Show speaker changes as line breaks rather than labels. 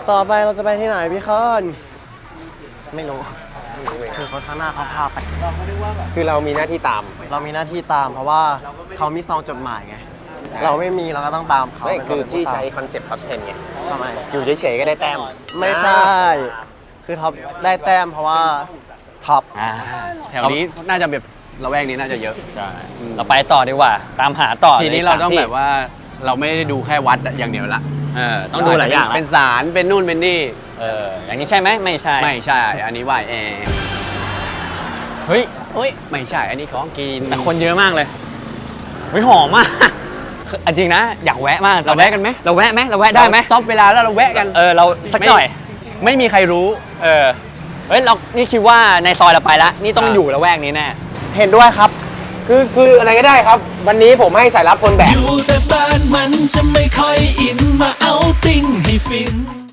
ต่อไปเราจะไปที่ไหนพี่คอนไม่รู้คือคนข้างหน้าเขาพาไป
คือเรามีหน้าที่ตาม
เรามีหน้าที่ตามเพราะว่าเขามีซองจดหมายไงเราไม่มีเราก็ต้องตามเขา
ไม่คือที่ใช้คอนเซ็ปต์ท็อป10ไง
ทำไม
อยู่เฉยๆก็ได้แต้ม
ไม่ใช่คือท็อปได้แต้มเพราะว่าท็อป
แถวนี้น่าจะแบบละแวกนี้น่าจะเยอะ
ใช่เราไปต่อดีกว่าตามหาต่อ
ทีนี้เราต้องแบบว่าเราไม่ได้ดูแค่วัดอย่างเดียวละ
ต้องดูหลายอย่าง
เป็นศาลเป็นนู่นเป็นนี่
อย่างนี้ใช่ไหมไม่ใช่
ไม่ใช่ อันนี้วายแอร์
เฮ้ย
ไม่ใช่ อันนี้ของกิน
แต่คนเยอะมากเลยเฮ้ยหอมมากจริงนะอยากแวะมาก
เราแวะกันไหม
เราแวะไหมเราแวะได้ไหม
ซอฟเวลาแล้วเราแวะกัน
เราสักหน่อย
ไม่มีใครรู้
เฮ้ยเรานี่คิดว่าในซอยเราไปแล้วนี่ต้องอยู่ละแวกนี้แน่
เห็นด้วยครับ
คืออะไรก็ได้ครับ วันนี้ผมให้สายรับคนแบก
อยู่แต่บ้านมันจะไม่ค่อยอินมาเอาติ้งให้ฟิน